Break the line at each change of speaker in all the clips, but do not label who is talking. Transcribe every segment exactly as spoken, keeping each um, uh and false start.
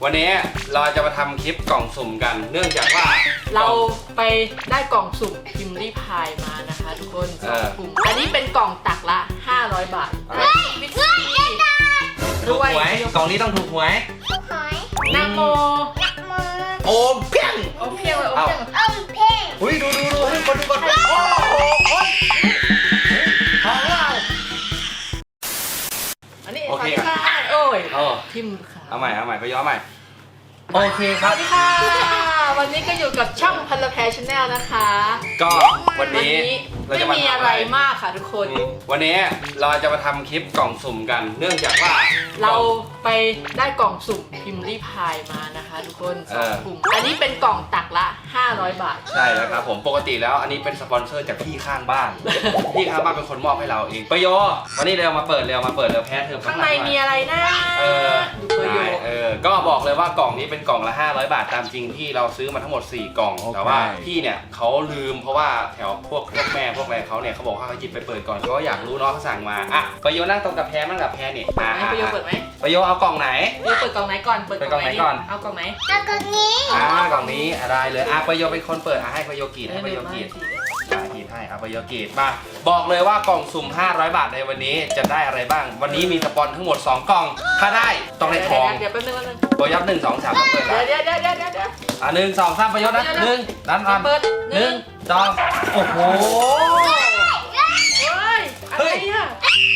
วันนี้เราจะมาทำคลิปกล่องสุ่มกันเนื่องจากว่า
เราไปได้กล่องสุ่มพิมพ์รีพายมานะคะทุกคนสองกลุ่มอันนี้เป็นกล่องตักละห้าร้อยบาทเฮ้ยวิธี
ถูกหวยกล่องนี้ต้องถูกหวย
ถูกหวย
นะโม
โอมเพียง
โอมเพียงเลยโอมเพียง
โอมเพียง
อุ้ยดูดูดูให้คนดูก่อนโอ้โหของเรา
อันนี้สวัสดีค่ะโอ้ยทิมค่ะ
เอาใหม่เอาใหม่ไปย้อนใหม่โอเคครับ
สวัสดีค่ะวันนี้ก็อยู่กับช่องพันละแพรชาแนลนะคะ
ก็วันนี้
เราจะไม่มีอะไรมากค่ะทุกคน
วันนี้เราจะมาทำคลิปกล่องสุ่มกันเนื่องจากว่า
เราไปได้กล่องสุ่มพิมพ์รีพายมานะคะทุกคนสองกลุ่มอันนี้เป็นกล่องตักละห้าร้อยบาท
ใช่แล้วครับผมปกติแล้วอันนี้เป็นสปอนเซอร์จากพี่ข้างบ้านพี่ข้างบ้านเป็นคนมอบให้เราเองประโยวันนี้เร็วมาเปิดเร็วมาเปิดเร็วแพ้เธอ
ข้างในมีอะไรนะ
เออเออก็บอกเลยว่ากล่องนี้เป็นกล่องละห้าร้อยบาทตามจริงที่เราซื้อมาทั้งหมดสี่กล่องแต่ว่าพี่เนี่ยเขาลืมเพราะว่าแถวพวกพวกแม่พวกอะไรเขาเนี่ยเขาบอกว่าเขาหยิบไปเปิดก่อนเพราะว่าอยากรู้เนาะเขาสั่งมาอ่ะประโยนั่งตรงกับแพ้นั่งกับแพ้เนี่ยอ่ะ
ประโยเปิดไหม
ประโยเอากล่องไหน
ประโยเปิดกล่องไหนก่อนเปิดกล่องไหนก่อนเอากล่องไหน
เอากล่องนี้
อ่ากล่องนี้อะไรเลยอ่ะประโยเป็นคนเปิดอ่ะให้ประโยกรีดให้ประโยกรีดอ่ะกรีดให้อ่ะประโยกรีดมาบอกเลยว่ากล่องสุ่มห้าร้อยบาทในวันนี้จะได้อะไรบ้างวันนี้มีสปอนทั้งหมดสองกล่องถ้าได้ต้องได้ทอง
เดี๋ยวแป๊บนึงแป๊บนึง
ประโยหนึ่งสองสามเปิด
เดี๋ยวเดี๋ยวเดี๋ยวเดี๋ยวเดี๋ยว
อ่ะหนึ่งสองสามประโยชน์นะหนึ่งด้านอ่อนหนึ่งสองโอ้โห
เฮ้ยอะไรอ่ะ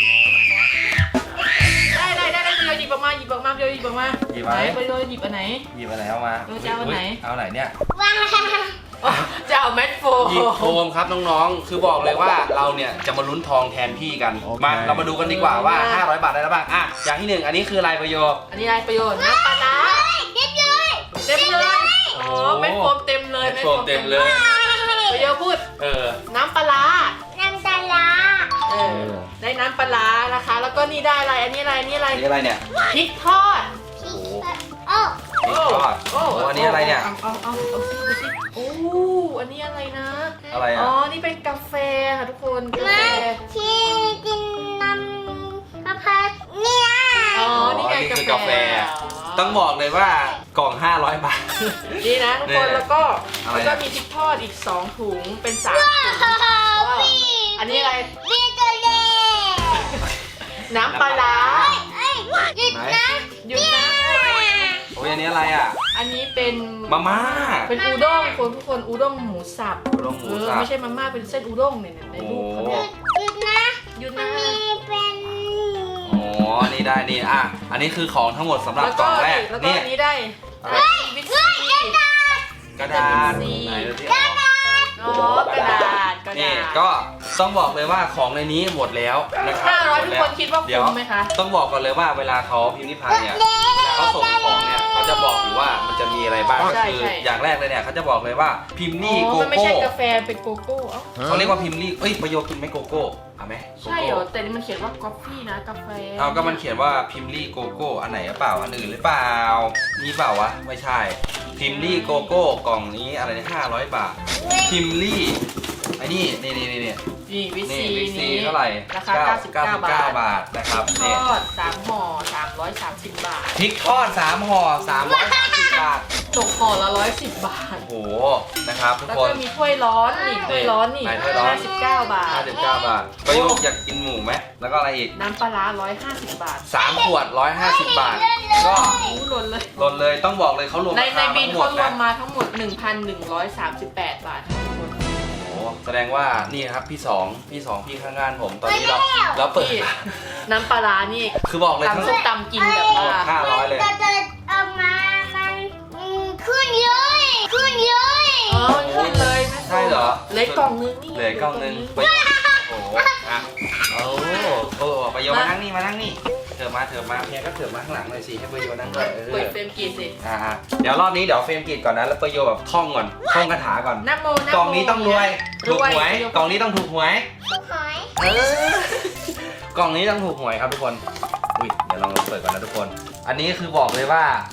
ได้ได้ได้ได้ประโยชน์หยิบออกมาหยิบออกมาประโยชน์หยิบออกมา
หยิบไหม
ประโยชน์หยิบอันไหน
หยิบอันไหนเอามา
จะเอาอันไหน
เอาไหนเนี่ย
จะเอาแมทโฟม
หยิบโฟมครับน้องๆคือบอกเลยว่าเราเนี่ยจะมาลุ้นทองแทนพี่กันมาเรามาดูกันดีกว่าว่าห้าร้อยบาทได้แล้วบ้างอ่ะอย่างที่หนึ่งอันนี้คือลายประโยชน์
อันนี้ลายประโยชน์น้ำปลาร้า
เต็มเลย
เต็มเลยอ๋อแมทโฟมเต็มเลย
แมทโฟมเต็มเลย
ประโยชน์พูด
เออ
น้ำปลาร้า
น้ำปลาร้า
เออได้น้ำปลาร้านะคะแล้วก็นี่ได้อะไรอันนี้อะไรอันนี้อะไร
นี่อะไรเนี่ย
พริกทอด
โอ้
พริกทอดโอ้อันนี้อะไรเนี่ย
เอาเอาเอาเอาซิดูซิโอ้อันนี้อะไรนะ
อะไรอ่ะ
อ๋อนี่เป็นกาแฟค่ะทุกคนกาแฟ
ที่กินน้ำกาแฟเนี่ย
อ๋อนี่ไงกาแฟ
ต้องบอกเลยว่ากล่องห้าร้อยบาท
นี่นะทุกคนแล้วก็แล้วก็มีพริกทอดอีกสองถุงเป็นสามถุงอันนี้อะไร
เบียร์ตัวเล็ก
น้ำปลาร้า
หยุดนะ
หยุดนะ
โอ้ยอันนี้อะไรอ่ะ
อันนี้เป็น
มาม่า
เป็นอูด้งคนทุกคนอูด้งหมูสับ
อูด้งหมูสับ
ไม่ใช่มาม่าเป็นเส้นอูด้งเนี่ยในรูปเขาเนี่ย
หยุดนะ
หยุดนะ
เป็น
อ๋อนี่ได้นี่อ่ะอันนี้คือของทั้งหมดสำหรับกล่องแรก
แล้วก็อันนี้ได้วิตซี
กระดาษไหนดูสิ
อ๋อกระดาษกระดาษ
นี่ก็ต้องบอกเลยว่าของในนี้หมดแล้วนะครับ
ห้าร้อยทุกคนคิดว่าคุ้มไหมคะ
ต้องบอกก่อนเลยว่าเวลาเขาพิมพ์นิพนธ์เนี่ยเวลาเขาส่งของเนี่ยเขาจะบอกอยู่ว่ามันจะมีอะไรบ้างคืออย่างแรกเลยเนี่ยเขาจะบอกเลยว่าพิมพ์นี่โกโก้
มันไม่ใช่กาแฟเป็นโกโก้
เขาเรียกว่าพิมพ์นี่เอ้ยประโยชน์กินไหมโกโก้เอาไหม
ใช่เหรอแต่นี่มันเขียนว่ากาแฟนะกาแฟ
เอาก็มันเขียนว่าพิมพ์ลี่โกโก้อันไหนหรือเปล่าอันอื่นหรือเปล่านี่เปล่าวะไม่ใช่พิมพ์ลี่โกโก้กล่องนี้อะไรเนี่ยห้าร้อยบาทพิมพ์ลี่ไอ้นี่นี่นี่นี่นี่
นี่วิซี
นี่เท่าไหร่
ราคาเก้าสิบเก้า
บาทนะครับ
ทอดสามห่อสามร้อยสามสิบบาท
พริกทอดสามห่อสามร้อยสามสิบบาท
ตกห่อละร้อยสิบบาท
โอ้โหนะครับทุกคน
แล้วก็มีถ้วยร้อนนี่ถ้วยร้อนนี่ห้าสิบเก้าบาท
ห้าสิบเก้าบาทประโยชน์อยากกินหมูไหมแล้วก็อะไรอีก
น้ำปลาร้าร้อยห้าสิบบาท
สามขวดร้อยห้าสิบบาทก็
หล่นเลย
หล่นเลยต้องบอกเลยเขารวม
ในในบินเขารวมมาทั้งหมด หนึ่งพันหนึ่งร้อยสามสิบแปด บาททุกคน
แสดงว่านี่ครับพี่สองพี่สองพี่ข้างงานผมตอนนี้เราเราเปิด
น้ำปลาร้านี่
คือบอกเลย
ทั้งส้มตำกินแบบว่า
ห้าร้อยเลย
จะจะเอามามันขึ้นเยอะขึ้นเยอะ
อ๋อขึ้นเลย
ใช่เหรอ
เหลือกล่องนึงนี่
เหลือกล่องนึงโอ้โหอ่ะโอ้โหประโยชน์มานั่งนี่มานั่งนี่เถิบมาเถิบมาเพียงก็เถิบมาข้างหลังหน่อยสิให้ประโยชน์นั่งด้วย
เปิดเฟรมกีดสิ
อ่าเดี๋ยวรอบนี้เดี๋ยวเฟรมกีดก่อนนะแล้วประโยชน์แบบท่องก่อนท่องคาถาก่อน
นะโมนะโม
กล่องนี้ต้องรวยถูกหวยกล่องนี้ต้องถูกหวย
ถูกหวย
เออกล่องนี้ต้องถูกหวยครับทุกคนอุ้ยเดี๋ยวลองเปิดก่อนนะทุกคนอันนี้คือบอกเลยว่า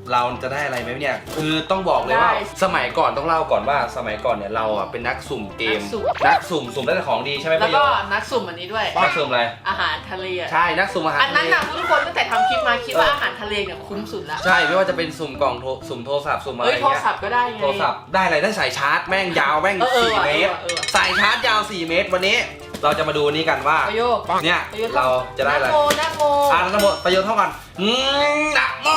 เราจะได้อะไรไหมเนี่ยคือต้องบอกเลยว่าสมัยก่อนต้องเล่าก่อนว่าสมัยก่อนเนี่ยเราอ่ะเป็นนักสุ่มเกมนักสุ่มสุ่มได้แต่ของดีใช่ไหม
แล้ว
พี่โย
ก็นักสุ่มอันนี้ด้วย
นักสุ่มอะไร
อาหารทะเลอะ
ใช่นักสุ่มอาหาร
อันนั้น
ทะเล
นะทุกคนตั้งแต่ทำคลิปมาคิดว่าอาหารทะเลเนี่ยคุ้มสุดละ
ใช่ไม่ว่าจะเป็นสุ่มกล่องโทรสุ่มโทรศัพท์สุ่มอะไร
เฮ้ย
เงี้ย
โทรศัพท์ก็ได้ไง
โทรศัพท์ได้อะไรได้สายชาร์จแม่งยาวแม่ง
เออเออ
สี่
ว่ะ
เมตร
เออว่ะ
สายชาร์จยาวสี่เมตรวันนี้เราจะมาดูนี้กันว่า
ประโยค
เนี่ย
ประโยค
เราจะได้อะไร
นะโมนะโม
อ่านทั้งหมดประโยชน์เท่ากันอืมนะโม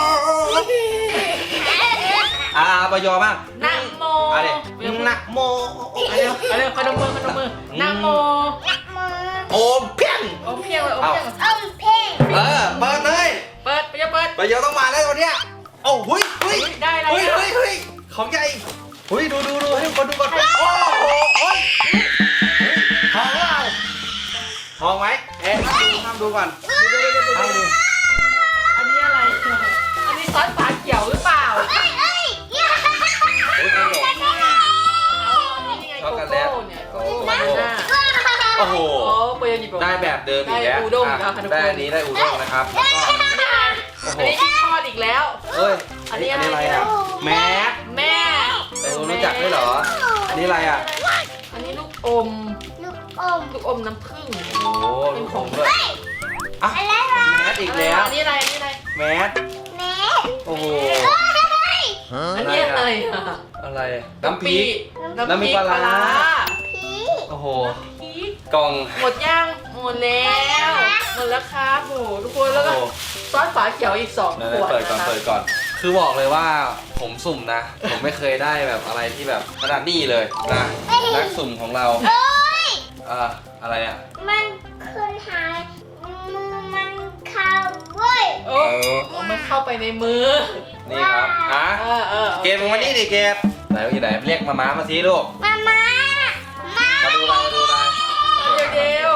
อ่าประโยชน์บ้าง
นะโม
อ่ะเด็
ประโยค
นะโม
เอาเร็วเอาเร็วขนมมือขนมมือนะโม
มือ
โอมเพียง
โอมเพียงเลยโอมเพียง
เอาเพ่ง
เออเปิดเลย
เปิดประโยคเปิด
ประโยชน์ต้องมาแล้ววันเนี้ยโอ้หุยหุย
เฮ้ยได้อะไร
เฮ้ย
อ่ะ
เฮ้ยเฮ้ยของใหญ่หุยดูดูดูให้ทุกคนดูก่อนโอ้โหโอ้ยทองเราทองไหมเอ๊ะทำดูก่อนทำดู
อันนี้อะไรอันนี้ซอสฝาเขียวหรือเปล่า
เอ้ยเอ้ยอย่า
เฮ้ยขนม
อันนี้ไงโกโก้เนี่ยโกโก้บานาน่า
โอ้โห
โอ้เปย์หยิบออกมา
ได้แบบเดิมอีกแล้ว
ได้อูด้ง
อ่ะ
แล้วค่ะทุกคน
ได้อันนี้ได้อูด้งนะครับแล้วก็โอ้โห
อันนี้ที่ทอดอีกแล้ว
เฮ้ย
อันนี้อะไร
อะไรอ่ะแมส
แม่
แต่คุณรู้จักด้วยเหรออันนี้อะไรอ่ะ
อันนี้ลูกอม
ลูกอม
ลูกอมน้ำผึ้ง
โอ้โห
เป็นของ
ด้วยอ่ะ
อะไรวะ
แมสอีกแล้ว
อันนี้อะไรอันนี้อะไร
แมส
แม่
โอ้โห
อันนี้อะไรอ่ะ
อะไรน้ำพริก น้ำพริกปลาร้า
พี่
โอ้โห
พริก
กล่อง
หมดย่างหมดแล้วหมดแล้วครับโอ้โหทุกคนแล้วก็
โอ้โห
ซอสฝาเขียวอีกสอง
นั่น
ขวด
เปิดก่อน
นะคะ
เปิดก่อน คือบอกเลยว่าผมสุ่มนะ ผมไม่เคยได้แบบอะไรที่แบบขนาดนี้เลยนะนักสุ่มของเรา
โอ้ย
อ่าอะไรอ่ะ
มันคืนหายมือมันเข้าเว้ย
โอ้มันเข้าไปในมือ
นี่ครับฮะ
เออเออ
เกมมึงมานี่ดิเกมไหนอยู่ไหนเรียกมาม้ามาสิลูก
มามามา
มาดูอะไรมาดูอะไร
เดี๋ยวเดี๋ยว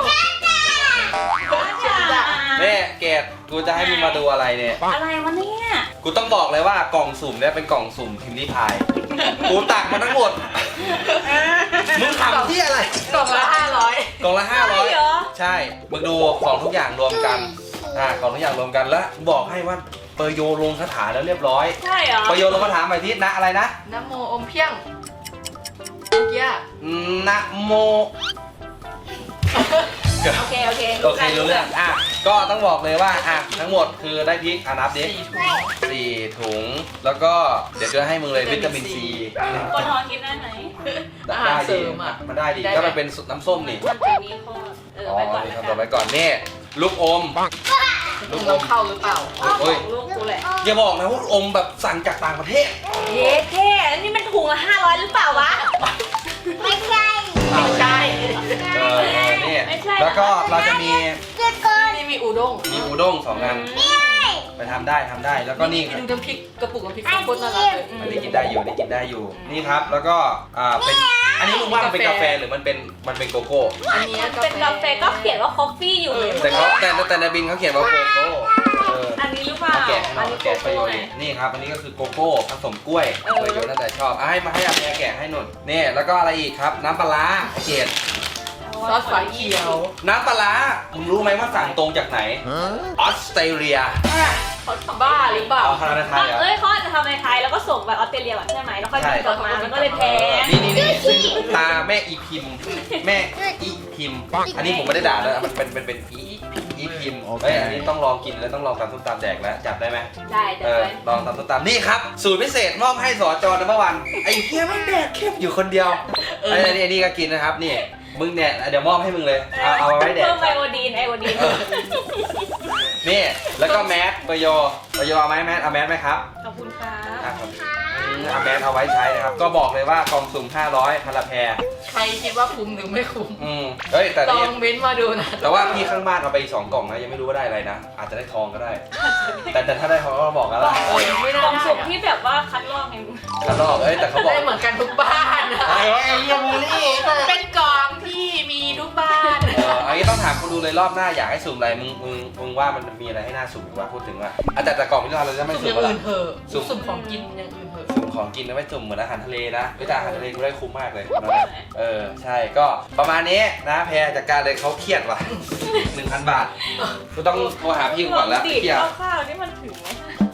เนี่ยเกดกูจะให้มึงมาดูอะไรเนี่ย
อะไรวะเนี่ย
กูต้องบอกเลยว่ากล่องสุ่มเนี่ยเป็นกล่องสุ่มพิมพ์ริพาย กูตักมาทั้งหมด มึงทำที่อะไร
กล่องละห้าร้อย
กล่องละห้าร้อย
เหรอ
ใช่ มึงดูของทุกอย่างรวมกัน อ่าของทุกอย่างรวมกันแล้วบอกให้ว่าเปอร์โยลงคาถาแล้วเรียบร้อย
ใช่เหรอ
เปอร์โยลงคาถาใหม่ที่นะอะไรนะ
น้ำโมอมเพียงเมื่อกี้อะ
นะโม
โอเค โอเค
โอเครู้เรื่อง อ่ะ ก็ต้องบอกเลยว่า อ่ะ ทั้งหมดคือได้พริกอ่ะนับดิ
สี่ถุง
สี่ถุง แล้วก็เดี๋ยวจะให้มึงเลยวิตามินซี
ปนทองกินได้ไหม
อาหารเสริมอ่ะ
มันได้ดี
ได้ไหม
ก็มันเป็นน้ำส้มนี่
มันจะมีข้อเออ
อ๋อ
ไปก่อน
นี่
นะ
ทำ
คะ
ต่อไปก่อนนี่ลูกอม ลูกอ
ต้อ
ม
งเข้าหรือเปล่า
เฮ้ย
ลูกกูแหละ
อย่าบอกนะว่าอมแบบสั่งจากต่างประเทศ
เย้เท่อันนี้มันถุงละห้าร้อยหรือเปล่าวะ
ไม่ใช่
ไม่ใช่
เออเออนี่
ไม่ใช่
แล้วก็เราจะมี
เจ้าก้อน
นี่มีอูด้ง
มีอูด้งสองอัน ไปทำได้ทำได้ แล้วก็นี่
ดูน้ำพริกกระปุกน้ำพริกข้าวโพดน่ารักเลย
อันนี้กินได้อยู่อันนี้กินได้อยู่ นี่ครับ แล้วก็ อ่า เป็น อันนี้มึงว่ามันเป็นกาแฟหรือมันเป็น มันเป็นโกโก้
อันนี้
เป็นกาแฟก็เขียนว่าคอฟฟี่อยู่เลย
แต่เขาแต่แต่ในบินเขาเขียนว่าโกโก้เออ
อันนี้หรือเปล่า
เอาแกะให้หน่
อั
อน ย
นี้โก
แกะประ
โก้
โยชน์
ไง
นี่ครับ อันนี้ก็คือโกโก้ผสมกล้วย
เออ
ประโยชน์น่าจะชอบอ่ะให้มาให้อาแม่แกะให้หนุนนี่ แล้วก็อะไรอีกครับ น้ำปลาร้าไอเกด
ซอสฝาเขียว
น้ำปลาร้ามึงรู้ไหมว่าสั่งตรงจากไหน ออสเตรเลีย
เขาทำบ้าหรือเปล่า
เอาคาราไทยเหรอ
เอ้ยเขาอาจจะทำในไทยแล้วก็ส่งแบบออสเตรเลียแบบใช่ไหมแล้วค่อยบินกลับมามันก็เลยแพง
นี่นี่นี่ซึ่งตาแม่อีพิมพ์ แม่อีพิมพ์ อันนี้ผมไม่ได้ด่าเลยมันเป็นเป็นเป็นอีอีพิมพ์เฮ้ยอันนี้ต้องลองกินแล้วต้องลองตำส้มตำแดกแล้วจับได้ไหม
ได้จะ
เออ
ไป
ลองตำส้มตำนี่ครับ สูตรพิเศษมอบให้สอจอนัมเบอร์วันไอ้เฮียมันแดกเข้มอยู่คนเดียวไอ้นี่ไอ้นี่ก็กินนะครับนี่มึงเนี่ยเดี๋ยวมอบให้มึงเลยเอาเอาไว้แดก
เพิ่มไอโอดีนไอโอดีน
นี่แล้วก็แมสประโยประโยเอาไหมแมสเอาแมสไหมครับ
ขอบคุณครับ
อ่ะครับอืมเอาแมสเอาไว้ใช้นะครับก็บอกเลยว่ากล่องสุ่มห้าร้อยพาราแพร
ใครคิดว่าคุ้มหรือไม่คุ้ม
อืมเฮ้ยแต่
ลอ
นี่
งเม้นต์มาดูนะ
แต่ว่าพี่ข้างบ้านเอาไปอีกสองกล่องนะยังไม่รู้ว่าได้อะไรนะอาจจะได้ทองก็ได้ แต่แต่ถ้าได้ทองก็บอกกันละ
เออไม่
ก
น่า
ล่อง
ได้
สุ่ม
อะ
ที่แบบว่าคัดลอกไง
แล้วก็เอ้ยแต่เขาบอก
ได้เหมือนกันทุกบ้านอะ
ไอ้ไอ้เหี้ยบูลลี่
เป็นกล่องที่มีทุกบ้าน
เอออันนี้ต้องถามคนดูเลยรอบหน้าอยากให้สุ่มอะไรมึงมึงมึงว่ามันมีอะไรให้น่าสุ่มอีกว่าพูดถึงว่าอ่ะแต่แต่กล่องที่เราเราจะไม่
สุ่ม
สุ่
อ
ม
ย่าง
อะไร
อื่นเถอะ
สุ่ม
สุ่มของกินอย่างอื่นเถอะ
สุ่มของกินนะไม่สุ่มเหมือนอาหารทะเลนะเฮ้ยแต่อาหารทะเลกูได้คุ้มมากเลยนะเออใช่ก็ประมาณนี้นะแพรจากการเลยเขาเครียดว่ะ หนึ่งพันบาทกูต้องโทรหาพี่ก่อนแล้ว
ดีด
เครียด
ข้าวๆนี่มันถึงไหม
เฮ้ย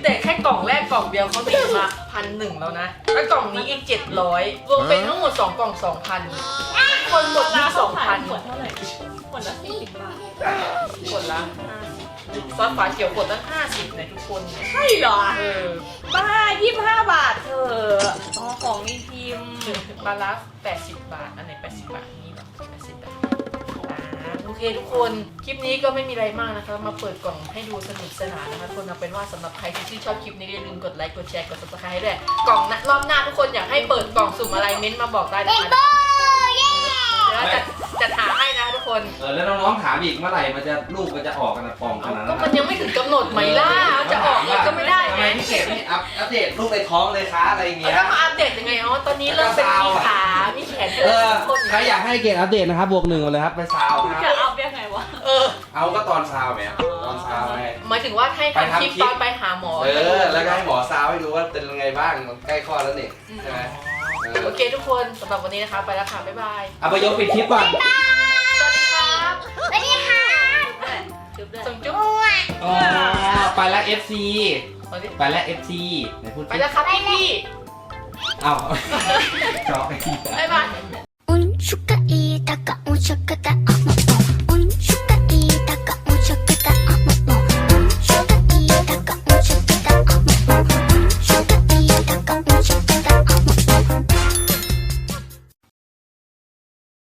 แต่แค่กล่องแรกกล่องเดียวเขาตีมาพันหนึ่งแล้วนะแล้วกล่องนี้อีกเจ็ดร้อยรวมเป็นทั้งหมดสองกล่องสองพันคนหมดที่สองพัน
ขวดเท่าไหร่ขวดละสี่สิบบาท
คนละซอสฝาเขียวขวดตั้งห้าสิบเนี่ยทุกคน
ใช่เหรอ
เออ
บ้ายี่สิบห้าบาทเธอะอ๋อของมีพิมพ์
บาลาแปดสิบบาทอันไหนแปดสิบบาทนี่เหรอแปดสิบบาทอ่าโอเคทุกคนคลิปนี้ก็ไม่มีอะไรมากนะคะมาเปิดกล่องให้ดูสนุกสนานนะคะทุกคนเอาเป็นว่าสำหรับใครที่ชื่นชอบคลิปนี้อย่าลืมกดไลค์กดแชร์กด ซับสไครบ์ ให้ด้วยกล่องรอบหน้าทุกคนอยากให้เปิดกล่องสุ่มอะไรเม้นต์มาบอกได้นะคะ
โอ้เย้
แล้วจัดจัดหาให้นะทุกคน
เออแล้วน้องๆถามอีกเมื่อไหร่มันจะลูกมันจะออกกันนะปองขนาด
ก็
นั้น
มันยังไม่ถึงกำหนดไหมล่ะจะออกเลยก็ไม่ได้
ทำ
ไง
ไมพี่เกดไม่อัพอัปเดตลูกในท้องเลยคะอะไรอย่างเงี้ย
แล้วมาอัปเดตยังไงอ๋อตอนนี้เริ่มเป็นมีขา มีแขน
เออ
คน
ใครอยากให้เกดอัปเดตนะครับบวกหนึ่งมาเลยครับไปซาวค
จะ
รับ
เอายังไงวะ
เออ
เอาก็ตอนซาวไหมตอนซาวไง
หมายถึงว่าให้
ไป
ทำ
ทำ
คลิป
คลิป
ตอนไปหาหมอ
เออแล้วก็ให้หมอซาวให้ดูว่าเป็นยังไงบ้างมันใกล้คลอดแล้วนี่ใช่ไหมเออ
โอเคทุกคนสำหรับวันนี้นะคะไปแล้วค่ะบ๊ายบาย
เอาไปยกปิดคลิปก่อน
สวัสดีครับ
สวัสดีค่ะ
จุ๊บด้วย
ส่งจุ๊บ
อ้วน
อ๋อไปแล้ว เอฟ ซี
สวัสดี
ไปแล้ว เอฟ ซีไหนพูด
ไปแล้วครับพี่พี่
เอ้าจอกไอ้ที่
บ๊ายบาย